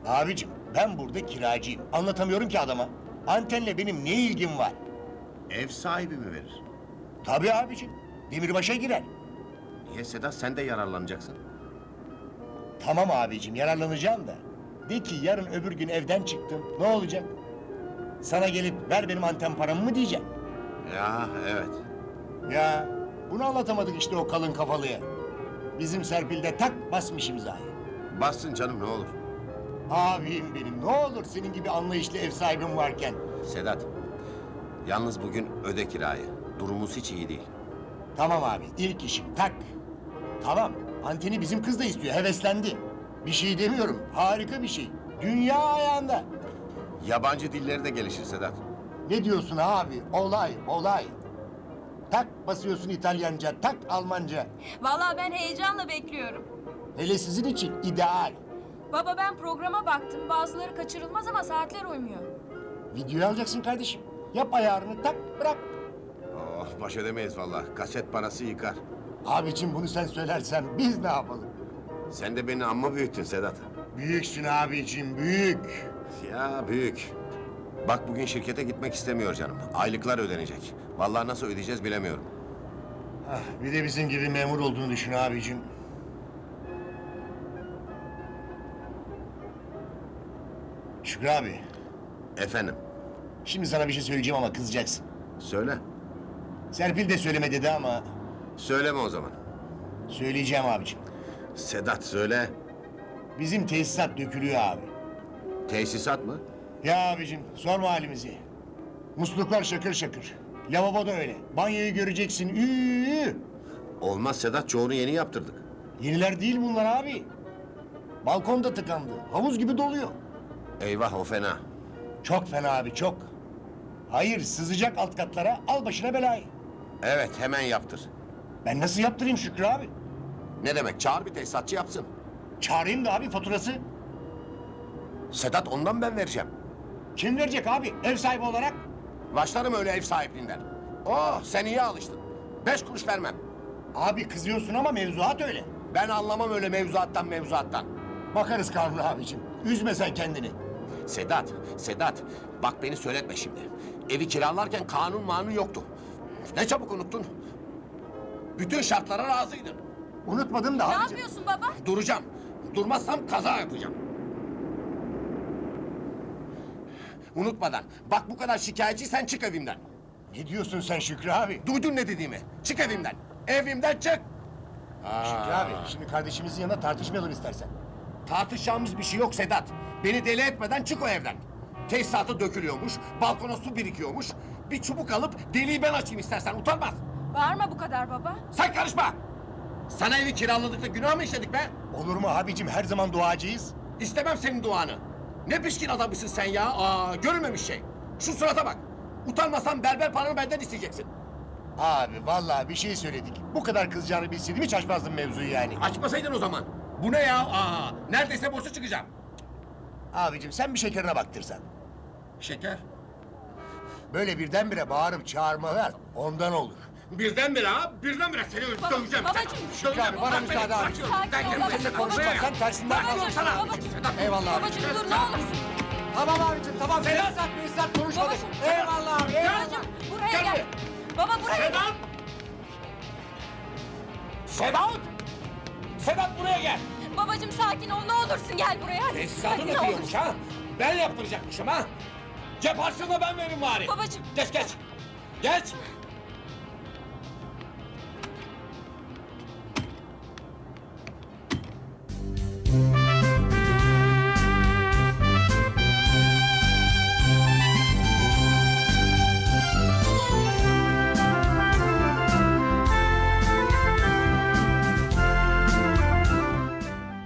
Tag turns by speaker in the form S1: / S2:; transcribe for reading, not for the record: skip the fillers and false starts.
S1: Abicim ben burada kiracıyım. Anlatamıyorum ki adama. Antenle benim ne ilgim var?
S2: Ev sahibi mi verir?
S1: Tabii abicim. Demirbaş'a girer.
S2: Niye Sedat, sen de yararlanacaksın?
S1: Tamam abicim yararlanacağım da. De ki yarın öbür gün evden çıktım. Ne olacak? Sana gelip ver benim anten paramı mı diyeceğim?
S2: Ya evet.
S1: Ya bunu anlatamadık işte o kalın kafalıya. Bizim Serpil de tak basmış imzayı.
S2: Bassın canım, ne olur.
S1: Abim benim ne olur senin gibi anlayışlı ev sahibim varken.
S2: Sedat, yalnız bugün öde kirayı. Durumumuz hiç iyi değil.
S1: Tamam abi ilk işim tak. Tamam anteni bizim kız da istiyor heveslendi. Bir şey demiyorum harika bir şey. Dünya ayağında.
S2: Yabancı dilleri de gelişir Sedat.
S1: Ne diyorsun abi olay. Tak basıyorsun İtalyanca tak Almanca.
S3: Vallahi ben heyecanla bekliyorum.
S1: Hele sizin için ideal.
S3: Baba ben programa baktım. Bazıları kaçırılmaz ama saatler uymuyor.
S1: Videoyu alacaksın kardeşim. Yap ayarını tak bırak.
S2: Oh, baş edemeyiz vallahi. Kaset parası yıkar.
S1: Abicim bunu sen söylersen biz ne yapalım?
S2: Sen de beni amma büyüttün Sedat.
S1: Büyüksün abicim büyük.
S2: Ya büyük. Bak bugün şirkete gitmek istemiyor canım. Aylıklar ödenecek. Vallahi nasıl ödeyeceğiz bilemiyorum.
S1: Ah, bir de bizim gibi memur olduğunu düşün abicim. Şükrü abi,
S2: Efendim,
S1: şimdi sana bir şey söyleyeceğim ama kızacaksın.
S2: söyle.
S1: Serpil de söyleme dedi ama
S2: Söyleme o zaman.
S1: söyleyeceğim abicim.
S2: Sedat söyle.
S1: Bizim tesisat dökülüyor abi.
S2: Tesisat mı?
S1: Ya abicim sorma halimizi. Musluklar şakır şakır. Lavabo da öyle. Banyoyu göreceksin.
S2: Olmaz Sedat, çoğunu yeni yaptırdık.
S1: Yeniler değil bunlar abi. Balkon da tıkandı. Havuz gibi doluyor.
S2: Eyvah, o fena.
S1: Çok fena abi çok. Hayır sızacak alt katlara al başına belayı.
S2: Evet, hemen yaptır.
S1: Ben nasıl yaptırayım Şükrü abi?
S2: Ne demek? Çağır bir tesisatçı yapsın.
S1: Çağırayım da abi faturası.
S2: Sedat, ondan ben vereceğim.
S1: Kim verecek abi ev sahibi olarak?
S2: Başlarım öyle ev sahipliğinden. Oh, sen iyi alıştın. 5 kuruş vermem.
S1: Abi kızıyorsun ama mevzuat öyle.
S2: Ben anlamam öyle mevzuattan.
S1: Bakarız Kanun abicim. Üzme sen kendini.
S2: Sedat, bak beni söyletme şimdi. Evi kiralarken kanun yoktu. Ne çabuk unuttun. Bütün şartlara razıydın.
S1: Unutmadım da
S3: Ne
S1: abicim.
S3: yapıyorsun baba?
S2: Duracağım. Durmazsam kaza yapacağım. Unutmadan. Bak bu kadar şikayetçiysen çık evimden.
S1: Ne diyorsun sen Şükrü abi?
S2: Duydun ne dediğimi? Çık evimden. Evimden çık.
S1: Şükrü abi şimdi kardeşimizin yanında tartışmayalım istersen.
S2: Tartışacağımız bir şey yok Sedat. Beni deli etmeden çık o evden. Tesisatı dökülüyormuş, balkona su birikiyormuş. Bir çubuk alıp deliği ben açayım istersen, utanmaz.
S3: Bağırma bu kadar baba.
S2: Sen karışma! Sana evi kiraladık da günah mı işledik be?
S1: Olur mu abicim her zaman duacıyız.
S2: İstemem senin duanı. Ne pişkin adammışsın sen ya. Görülmemiş şey. Şu surata bak. Utanmasan berber paranı benden isteyeceksin.
S1: Abi vallahi bir şey söyledik. Bu kadar kızacağını bilseydim hiç açmazdım mevzuyu yani.
S2: Açmasaydın o zaman. Bu ne ya? Neredeyse boşa çıkacağım.
S1: Abicim sen bir şekerine baktırsan.
S2: Şeker.
S1: Böyle birdenbire bağırıp çağırmalar ondan olur.
S2: Birdenbire seni döveceğim.
S3: babacığım.
S1: Şükrü abi bana müsaade abicim.
S3: Sakin ol babacığım.
S1: Seninle konuşmazsan tersinden
S3: Babacığım,
S1: kalırım.
S3: babacığım.
S1: Eyvallah abi.
S3: Babacığım dur ne olursun.
S1: Tamam abicim tamam. Tesisat konuşmadık.
S3: Babacığım.
S1: Eyvallah abi. Eyvallah.
S3: Babacığım buraya gel. Baba buraya gel.
S2: Sedat buraya gel.
S3: Babacığım sakin ol ne olursun gel buraya hadi.
S2: Tesisatı
S3: Hadi, ne
S2: döküyormuş
S3: olursun.
S2: ha. Ben yaptıracakmışım ha. Cep harçlığını ben veririm bari.
S3: Babacığım.
S2: Geç. Geç.